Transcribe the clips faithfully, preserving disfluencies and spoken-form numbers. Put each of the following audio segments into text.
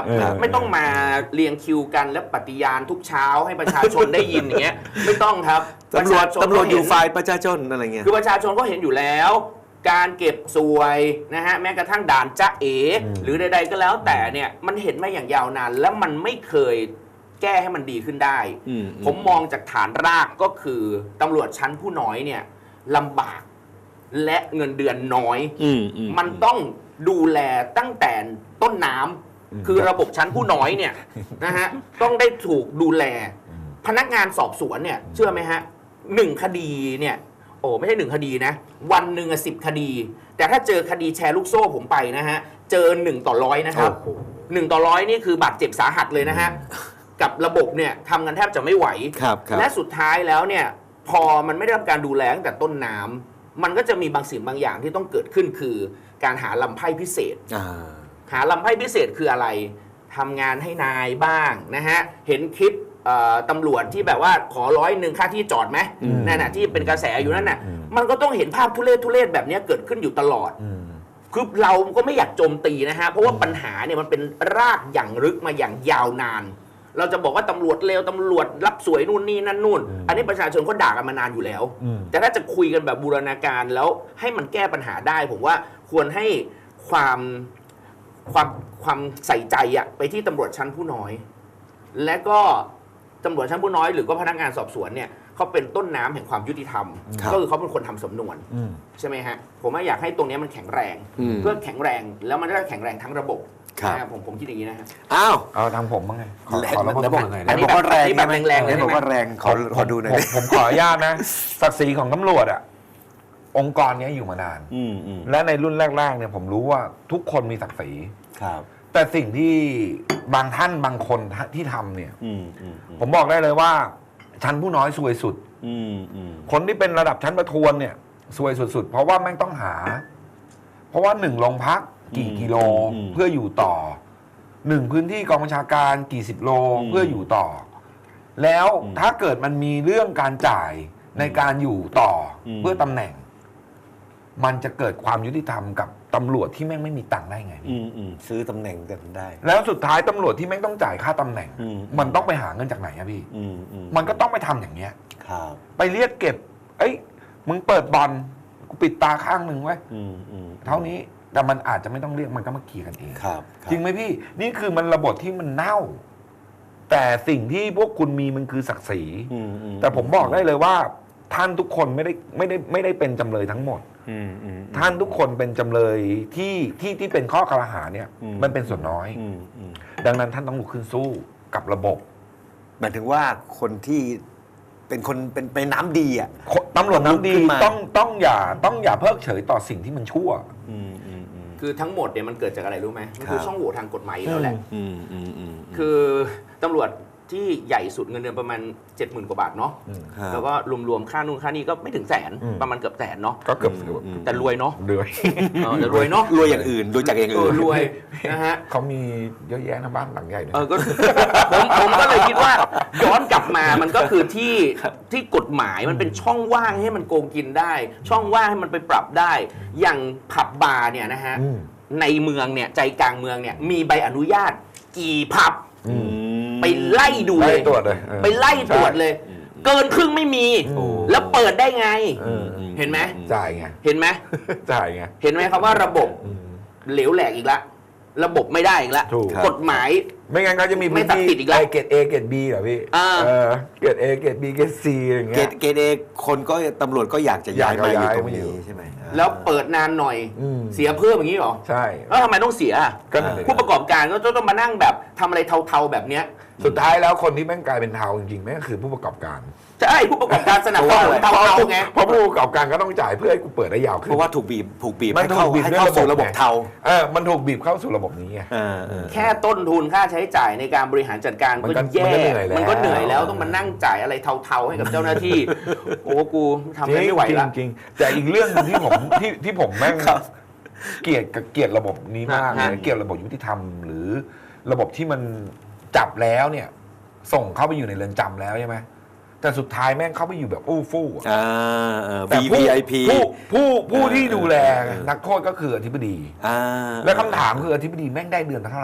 ไม่ต้องมาเรียงคิวกันและปฏิญาณทุกเช้าให้ประชาชนได้ยินอย่างเงี้ยไม่ต้องครับตำรวจตำรวจอยู่ฝ่ายประชาชนอะไรเงี้ยคือประชาชนก็เห็นอยู่แล้วการเก็บสวยนะฮะแม้กระทั่งด่านจ๊ะเอ๋หรือใดๆก็แล้วแต่เนี่ยมันเห็นมาอย่างยาวนานแล้วมันไม่เคยแก้ให้มันดีขึ้นได้ผมมองจากฐานรากก็คือตำรวจชั้นผู้น้อยเนี่ยลำบากและเงินเดือนน้อยมันต้องดูแลตั้งแต่ต้นน้ำคือระบบชั้นผู้น้อยเนี่ยนะฮะต้องได้ถูกดูแลพนักงานสอบสวนเนี่ยเชื่อไหมฮะหนึ่งคดีเนี่ยโอ้ไม่ใช่หนึ่งคดีนะวันหนึ่งสิบคดี แต่ถ้าเจอคดีแชร์ลูกโซ่ผมไปนะฮะเจอหนึ่งต่อร้อยนะครับหนึ่งต่อร้อยนี่คือบาดเจ็บสาหัสเลยนะฮะกับระบบเนี่ยทำกันแทบจะไม่ไหวและสุดท้ายแล้วเนี่ยพอมันไม่ได้รับการดูแลตั้งแต่ต้นน้ำมันก็จะมีบางสิ่งบางอย่างที่ต้องเกิดขึ้นคือการหาลำไพ่พิเศษหาลำไพ่พิเศษคืออะไรทำงานให้นายบ้างนะฮะเห็นคลิปตำรวจที่แบบว่าขอร้อยหนึ่งค่าที่จอดไหมนั่นน่ะที่เป็นกระแสอยู่นั่นน่ะมันก็ต้องเห็นภาพทุเรศทุเรศแบบนี้เกิดขึ้นอยู่ตลอดคือเราก็ไม่อยากโจมตีนะฮะเพราะว่าปัญหาเนี่ยมันเป็นรากอย่างลึกมาอย่างยาวนานเราจะบอกว่าตำรวจเลวตำรวจรับสวยนู่นนี่นั่นนู่นอันนี้ประชาชนเขาด่ากันมานานอยู่แล้วแต่ถ้าจะคุยกันแบบบูรณาการแล้วให้มันแก้ปัญหาได้ผมว่าควรให้ความความความใส่ใจอะไปที่ตำรวจชั้นผู้น้อยและก็ตำรวจชั้นผู้น้อยหรือก็พนักงานสอบสวนเนี่ยเขาเป็นต้นน้ำแห่งความยุติธรรมก็คือเขาเป็นคนทำสำนวนใช่ไหมฮะผมว่าอยากให้ตรงนี้มันแข็งแรงเพื่อแข็งแรงแล้วมันจะแข็งแรงทั้งระบบนะครับผมผมคิดอย่างนี้นะฮะอ้าวเอาทางผมบ้างไงขอระบบหน่อยอันนี้แบบแรงแบบแรงเลยบอกว่าแรงขอขอดูหน่อยผมขออนุญาตนะศักดิ์ศรีของตำรวจอ่ะองค์กรนี้อยู่มานานและในรุ่นแรกๆเนี่ยผมรู้ว่าทุกคนมีศักดิ์ศรีแต่สิ่งที่บางท่านบางคนที่ทำเนี่ยผมบอกได้เลยว่าชั้นผู้น้อยซวยสุดคนที่เป็นระดับชั้นประทวนเนี่ยซวยสุดๆเพราะว่าแม่งต้องหาเพราะว่าหนึ่งโรงพักกี่กิโลเพื่ออยู่ต่อหนึ่งพื้นที่กองบัญชาการกี่สิบโลเพื่ออยู่ต่อแล้วถ้าเกิดมันมีเรื่องการจ่ายในการอยู่ต่อเพื่อตำแหน่งมันจะเกิดความยุติธรรมกับตำรวจที่แม่งไม่มีตังค์ได้ไงซื้อตำแหน่งกันได้แล้วสุดท้ายตำรวจที่แม่งต้องจ่ายค่าตำแหน่งมันต้องไปหาเงินจากไหนอะพี่มันก็ต้องไปทำอย่างเงี้ยไปเรียกเก็บเอ้ยมึงเปิดบอลกูปิดตาข้างหนึ่งไว้เท่านี้แต่มันอาจจะไม่ต้องเรียกมันก็มาเคลียร์กันเองจริงไหมพี่นี่คือมันระบบที่มันเน่าแต่สิ่งที่พวกคุณมีมันคือศักดิ์ศรีแต่ผมบอกได้เลยว่าท่านทุกคนไม่ได้ไม่ได้ไม่ได้เป็นจำเลยทั้งหมดท่านทุกคนเป็นจำเลยที่ที่ที่เป็นข้อกล่าวหาเนี่ยมันเป็นส่วนน้อยดังนั้นท่านต้องลุกขึ้นสู้กับระบบหมายถึงว่าคนที่เป็นคนเป็นเป็นน้ำดีอ่ะตำรวจน้ำดีต้องต้องอย่าต้องอย่าเพิกเฉยต่อสิ่งที่มันชั่วคือทั้งหมดเนี่ยมันเกิดจากอะไรรู้ไหมมันคือช่องโหว่ทางกฎหมายแล้วแหละคือตำรวจที่ใหญ่สุดเงินเดือนประมาณ เจ็ดหมื่น กว่าบาทเนาะแล้วก็รวมๆค่านู่นค่านี่ก็ไม่ถึงแสนประมาณเกือบแสนเนาะก็เกือบแต่รวยเนาะรวยแต่รวยเนาะรวยอย่างอื่นรวยจากอย่างอื่นรวยนะฮะเขามีเยอะแยะนะบ้านหลังใหญ่เออก็ผมผมก็เลยคิดว่าย้อนกลับมามันก็คือที่ที่กฎหมายมันเป็นช่องว่างให้มันโกงกินได้ช่องว่างให้มันไปปรับได้อย่างผับบาร์เนี่ยนะฮะในเมืองเนี่ยใจกลางเมืองเนี่ยมีใบอนุญาตกี่ผับไปไล่ดูเลยไปไล่ตรวจเลยเกินครึ่งไม่มีแล้วเปิดได้ไงเห็นไหมจ่ายไงเห็นไหมจ่ายไงเห็นไหมครับว่าระบบเหลวแหลกอีกแล้วระบบไม่ได้อีกแล้วกฎหมายไม่งั้นก็จะมีไม่ตัดติดอีกแล้วเกรด A เกรด B เหรอพี่เกรด A เกรด B เกรด C อะไรอย่างเงี้ยเกรด A คนก็ตำรวจก็อยากจะย้ายมาอยู่ตรงนี้ใช่ไหมแล้วเปิดนานหน่อยเสียเพิ่มอย่างนี้หรอใช่แล้วทำไมต้องเสียผู้ประกอบการก็ต้องมานั่งแบบทำอะไรเทาๆแบบเนี้ยสุดท้ายแล้วคนที่แม่งกลายเป็นเทาจริงๆแม่งคือผู้ประกอบการใช่ผู้ประกอบการสนับสนุนเทาๆไงเพราะผู้ประกอบการก็ต้องจ่ายเพื่อให้กูเปิดได้ยาวขึ้นเพราะว่าถูกบีบถูกบีบให้เข้าให้เข้าสู่ระบบเทาเออมันถูกบีบเข้าสู่ระบบนี้ไงแค่ต้นทุนค่าใช้จ่ายในการบริหารจัดการก็แย่มันก็เหนื่อยแล้วต้องมานั่งจ่ายอะไรเทาๆให้กับเจ้าหน้าที่โอ้กูทำไม่ไหวแล้วจริงๆแต่อีกเรื่องนึงที่ผมที่ที่ผมแม่งเกลียดกับเกลียดระบบนี้มากเลยเกลียดระบบยุติธรรมหรือระบบที่มันจับแล้วเนี่ยส่งเข้าไปอยู่ในเรือนจำแล้วใช่ไหมแต่สุดท้ายแม่งเข้าไปอยู่แบบอู้ฟู่อ่าแต่ วี ไอ พีผู้ผู้ผู้ที่ดูแลนักโทษก็คืออธิบดีและคำถามคืออธิบดีแม่งได้เดือนเท่าไหร่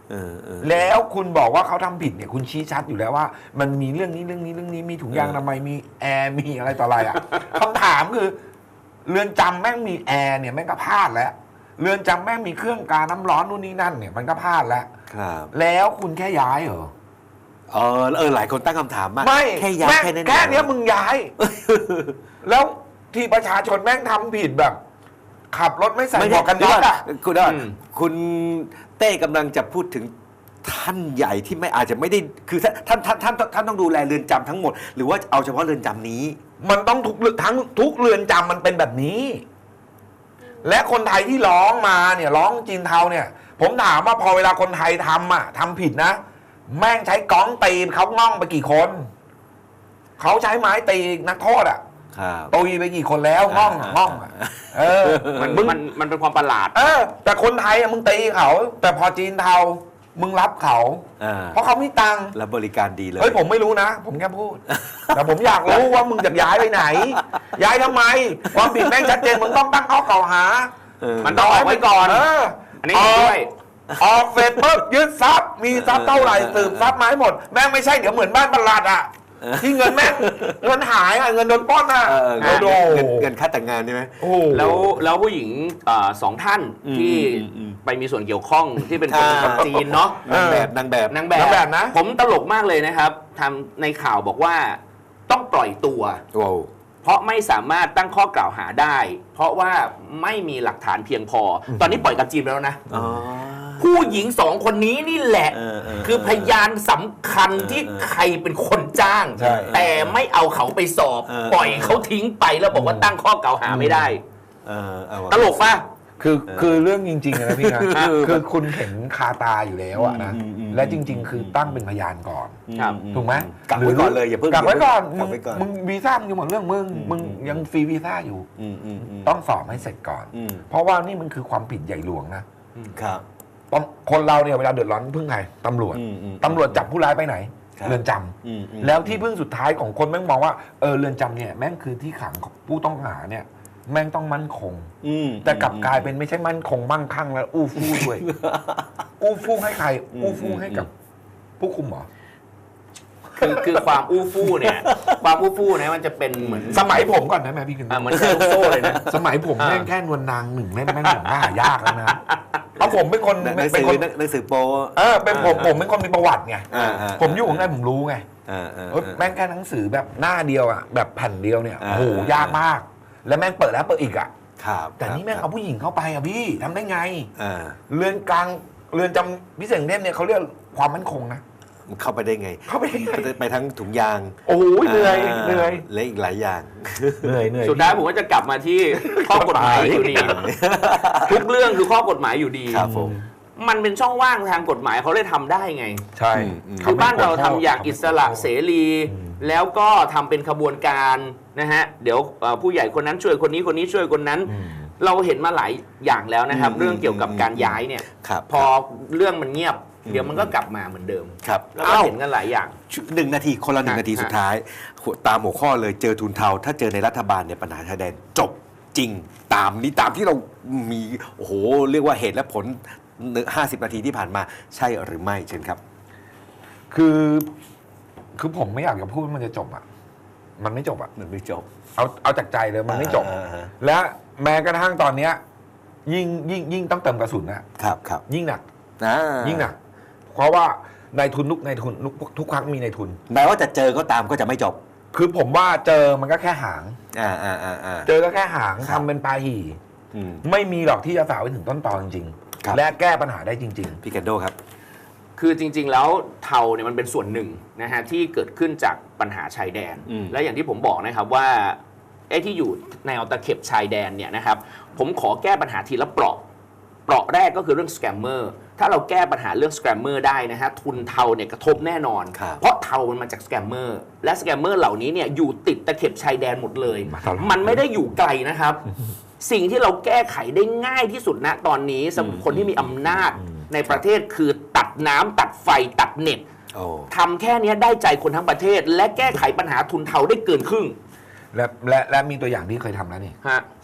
เออเออแล้วคุณบอกว่าเขาทำผิดเนี่ยคุณชี้ชัดอยู่แล้วว่า มันมีเรื่องนี้เรื่องนี้เรื่องนี้มีถุงยางอนามัยมีแอร์มีอะไรต่ออะไรอ่ะ คำถามคือเรือนจำแม่งมีแอร์เนี่ยแม่งก็พลาดแล้วเรือนจำแม่งมีเครื่องการน้ำร้อนนู่นนี่นั่นเนี่ยมันก็พลาดแล้วครับแล้วคุณแค่ย้ายเหรอเออเออหลายคนตั้งคำถามมากไม่แค่ย้ายแม่งแค่นั้นแค่เนี้ยเองมึงย้าย แล้วที่ประชาชนแม่งทำผิดแบบ ขับรถไม่ใส่ไม่หมใช่วกกันเดี๋ยน็วอกก่อนอ่ะคุณว่าอืมคุณเต้กำลังจะพูดถึงท่านใหญ่ที่ไม่อาจจะไม่ได้คือท่านท่านท่านท่านท่านต้องดูแลเรือนจำทั้งหมด หรือว่าเอาเฉพาะเรือนจำนี้มันต้องทุกเรือนทั้งทุกเรือนจำมันเป็นแบบนี้ และคนไทยที่ร้องมาเนี่ยร้องจีนเทาเนี่ย ผมถามว่าพอเวลาคนไทยทำอ่ะทำผิดนะ แม่งใช้ก้องตีเขาง่องไปกี่คนเขาใช้ไม้ตีนักโทษอ่ะครับตีไปกี่คนแล้วง่องอะง่องอะเออมันมึงมันมันเป็นความประหลาดเออ แต่คนไทยอะมึงตีเขา แต่พอจีนเทามึงรับเขาอ่าเพราะเขามีตังค์แล้วบริการดีเลยเฮ้ยผมไม่รู้นะ ผมแค่พูด แต่ผมอยากรู้ว่ามึงจะย้ายไปไหน ย้ายทำไม ความผิดแม่งชัดเจนมึงต้องตั้งข้อกล่าวหาเออมันต้องออกไว้ก่อนเอออันนี้เห็นด้วยออกเสร็จปุ๊บยึดทรัพย์มีทรัพย์เท่าไหร่สืบทรัพย์มาให้หมด แม่งไม่ใช่เดี๋ยวเหมือนบ้านประหลัดอ่ะที่เงินแม่งเงินหายอ่ะเงินโดนปล้นอ่ะเออเงินโดเงินเงินค่าแต่งงานใช่ไหมโอ้โหแล้วแล้วผู้หญิงเอ่อสองท่านอืมที่อืมอืมไปมีส่วนเกี่ยวข้องที่เป็นคนอ่าคนจีนเนาะนางแบบนางแบบนางแบนางแบบบนะผมตลกมากเลยนะครับทำในข่าวบอกว่าต้องปล่อยตัวว้าวเพราะไม่สามารถตั้งข้อกล่าวหาได้ เพราะว่าไม่มีหลักฐานเพียงพอ ตอนนี้ปล่อยกับจีนไปแล้วนะอ๋อผู้หญิงสองคนนี้นี่แหละเออเออคือพยานสำคัญที่เออใครเป็นคนจ้างใช่แต่ไม่เอาเขาไปสอบเออปล่อยเขาทิ้งไปแล้วบอกว่าตั้งข้อกล่าวหาไม่ได้เออเอาว่ะตลกป่ะคือคือเรื่องจริงๆอะนะพี่นะอ่ะคือคุณเห็นคาตาอยู่แล้วอะนะอืมอืมและจริง ๆ คือตั้งเป็นพยานก่อนครับถูกไหมกักไว้ก่อนเลยอย่าเพิ่งกักไว้ก่อนกัมึกงไว้ก่อนมึงวีซ่ามึงอยู่หมดเรื่องมึงมึงยังฟรีวีซ่าอยู่อืมอืมอืมต้องสอบให้เสร็จก่อนอืมเพราะว่านี่มันคือความผิดใหญ่หลวงนะครับ ตอนคนเราเนี่ยเวลาเดือดร้อนพึ่งใครตำรวจอืมอืมตำรวจจับผู้ร้ายไปไหนครับเรือนจำอืมอืมแล้วที่พึ่งสุดท้ายของคนแม่งมองว่าเออเรือนจำเนี่ยแม่งคือที่ขังของผู้ต้องหาเนี่ย แม่งต้องมั่นคงอืมแต่กลับกลายเป็นไม่ใช่มั่นคงมั่งคั่งแล้วอู้ฟู่ด้วย อู้ฟู่ให้ใครอืมอู้ฟู่ให้กับผู้คุมเหรอคือคือความอู้ฟู่เนี่ย ความอู้ฟู่เนี่ยมันจะเป็นเหมือนสมัยผมก่อนนะแม่พี่คุณอ่ะเหมือนแชร์ลูกโซ่เลยนะสมัยผมอ่าแม่งแค่นวลนางหนึ่งแม่งแม่งผมว่าหายากแล้วนะเพราะผมเป็นคนหนังเป็สืนอคนหนังสือโป๊เออเป็นผมผมเป็นคนมีประวัติไงอ่าอ่าผมอยู่ข้างในผมรู้ไงอ่าอ่าเอ้ยแม่งแค่หนังสือแบบหน้าเดียวอ่ะแบบแผ่นเดียวเนี่ยอ่าโอ้โหยากมาก แล้วแม่งเปิดแล้วเปิดอีกอ่ะครับแต่นี่แม่งเอาผู้หญิงเข้าไปอ่ะพี่ทำได้ไงอ่าเรือนกลางเรือนจำพิเศษกรุงเทพเนี่ยเขาเรียกความมั่นคงนะมันเข้าไปได้ไงเข้าไปได้ไงไปไปทั้งถุงยางโอ้ยเหนื่อยเหนื่อยและอีกหลายอย่างเหนื่อยเหนื่อยสุดท้ายผมก็จะกลับมาที่ข้อกฎหมายอยู่ดี ทุกเรื่องคือข้อกฎหมายอยู่ดีครับผมมันเป็นช่องว่างทางกฎหมายเขาเลยทำได้ไงใช่อืมคือบ้านเราทำอย่างอิสระเสรี แล้วก็ทำเป็นขบวนการนะฮะเดี๋ยวเอ่อผู้ใหญ่คนนั้นช่วยคนนี้คนนี้ช่วยคนนั้นอืมเราเห็นมาหลายอย่างแล้วนะครับอืมเรื่องเกี่ยวกับการย้ายเนี่ยครับพอเรื่องมันเงียบอืมเดี๋ยวมันก็กลับมาเหมือนเดิมครับแล้วก็เห็นกันหลายอย่างหนึ่งนาทีคนละหนึ่งฮะนาทีฮะสุดท้ายหัวตามหัวข้อเลยเจอทุนเทา ถ้าเจอในรัฐบาลเนี่ยปัญหาชายแดนจบจริง ตามนี้ตามที่เรามีโอ้โหเรียกว่าเหตุและผลห้าสิบนาทีที่ผ่านมาใช่หรือไม่เชิญครับคือ คือผมไม่อยากจะพูดว่ามันจะจบอ่ะ มันไม่จบอ่ะมันไม่จบเอาเอาจากใจเลยมันไม่จบอ่าฮะและแม้กระทั่งตอนเนี้ยยิ่งยิ่งยิ่งต้องเติมกระสุนนะครับครับยิ่งหนักอ่ายิ่งหนัก เพราะว่านายทุนทุกนายทุนทุกทุกครั้งมีนายทุนแม้ว่าจะเจอก็ตามก็จะไม่จบคือผมว่าเจอมันก็แค่หางอ่าอ่าอ่าอ่าเจอก็แค่หางครัทำบเป็นปลาหี่อืมไม่มีหรอกที่จะสาวไปถึงต้นตอจริงครับๆและแก้ปัญหาได้จริงพี่แคนโดครับคือจริง ๆ แล้วเทาเนี่ยมันเป็นส่วนหนึ่งนะฮะที่เกิดขึ้นจากปัญหาชายแดนอืมและอย่างที่ผมบอกนะครับว่าไอ้ที่อยู่ในเอาตะเข็บชายแดนเนี่ยนะครับผมขอแก้ปัญหาทีละเปราะเปราะแรกก็คือเรื่องสแกมเมอร์ถ้าเราแก้ปัญหาเรื่องสแกมเมอร์ได้นะฮะทุนเทาเนี่ยกระทบแน่นอนครับเพราะเทามันมาจากสแกมเมอร์และสแกมเมอร์เหล่านี้เนี่ยอยู่ติดตะเข็บชายแดนหมดเลยมาตลอดมันไม่ได้อยู่ไกลนะครับ สิ่งที่เราแก้ไขได้ง่ายที่สุดณตอนนี้สำหรับคนที่มีอำนาจในประเทศคือตัดน้ำตัดไฟตัดเน็ตโอ้ทำแค่เนี้ยได้ใจคนทั้งประเทศ และแก้ไขปัญหาทุนเทาได้เกินครึ่งๆ และและและมีตัวอย่างที่เคยทำแล้วนี่ฮะจริงไหม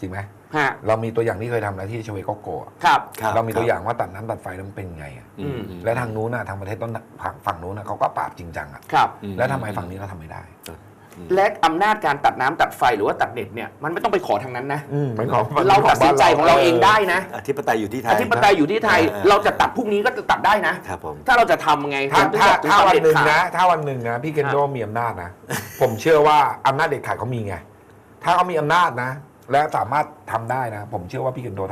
ฮะเรามีตัวอย่างที่เคยทำนะที่ชเวโกโกะครับครับเรามีตัวอย่างว่าตัดน้ำตัดไฟแล้วมันเป็นไงอะอืมและทางนู้นนะทางประเทศต้นฝั่งฝั่งนู้นนะเขาก็ปราบจริงจังอะครับแล้วทำไมฝั่งนี้เราทำไม่ได้และอำนาจการตัดน้ำตัดไฟหรือว่าตัดเน็ตเนี่ยมันไม่ต้องไปขอทางนั้นนะอืมเป็นของเราตัดสินใจของเราเองได้นะอธิปไตยอยู่ที่ไทอย ธิปไตยอยู่ที่ไทยเออเราจะตัดพรุ่งนี้ก็จะตัดได้นะครับผมถ้าเราจะทำไงถ้าถ้าถึงถ้าจะวันหนึ่งเด็ดขาดนะ ถ้าวันหนึ่งนะพี่เคนโดมีอำนาจนะ ผมเชื่อว่าอำนาจเด็ดขาดเขามีไง ถ้าเขามีอำนาจนะ และสามารถทำได้นะ ผมเชื่อว่าพี่เคนโด